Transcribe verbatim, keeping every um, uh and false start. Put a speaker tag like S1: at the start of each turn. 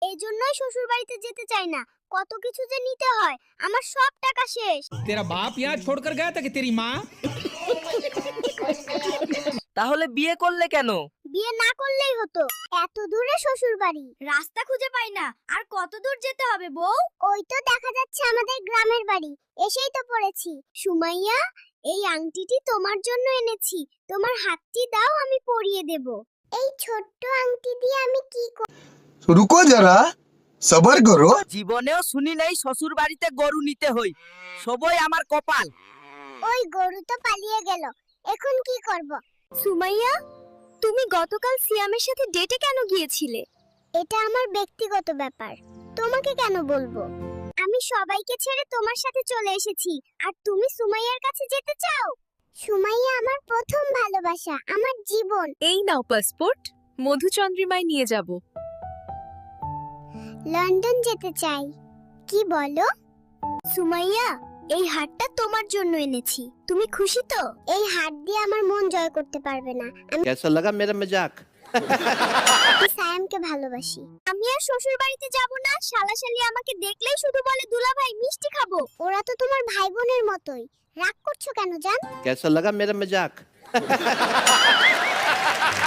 S1: এই জন্যই শ্বশুর বাড়িতে যেতে চাই না। কত কিছু যে নিতে হয়, আমার সব টাকা শেষ।
S2: तेरा बाप यहाँ छोड़कर गया था कि तेरी माँ?
S3: তাহলে বিয়ে করলে কেন?
S1: বিয়ে না করলেই হতো। এত দূরে শ্বশুর বাড়ি, রাস্তা খুঁজে পাই না। আর কত দূর যেতে হবে বউ? ওই তো দেখা যাচ্ছে আমাদের গ্রামের বাড়ি, এসেই তো পড়েছি। সুমাইয়া, এই আংটিটি তোমার জন্য এনেছি। তোমার হাতটি দাও, আমি পরিয়ে দেব। এই ছোট্ট আংটি দিয়ে আমি কি করব?
S4: रुको जरा सबर करो।
S3: জীবনেও শুনি নাই শ্বশুর বাড়িতে গরু নিতে হই। সবই আমার কপাল।
S1: ওই গরু তো পালিয়ে গেল, এখন কি করব? সুমাইয়া, তুমি গতকাল সিয়ামের সাথে ডেটে কেন গিয়েছিলে? এটা আমার ব্যক্তিগত ব্যাপার, তোমাকে কেন বলবো? আমি সবাইকে ছেড়ে তোমার সাথে চলে এসেছি, আর তুমি সুমাইয়ার কাছে যেতে চাও? সুমাইয়া আমার প্রথম ভালোবাসা, আমার জীবন।
S5: এই নাও পাসপোর্ট, মধুচন্দ্রিমায় নিয়ে যাব।
S1: লন্ডন যেতে চাই। কি বলো? সুমাইয়া, এই হারটা তোমার জন্য এনেছি। তুমি খুশি তো? এই হার দিয়ে আমার মন জয় করতে পারবে না। আমি
S6: कैसा लगा मेरा मजाक?
S1: সায়ামকে ভালোবাসি। আমি আর শ্বশুর বাড়িতে যাব না। শালাশালি আমাকে দেখলেই শুধু বলে দুলাভাই মিষ্টি খাবো। ওরা তো তোমার ভাই বোনের মতোই। রাগ করছো কেন জান?
S6: कैसा लगा मेरा मजाक?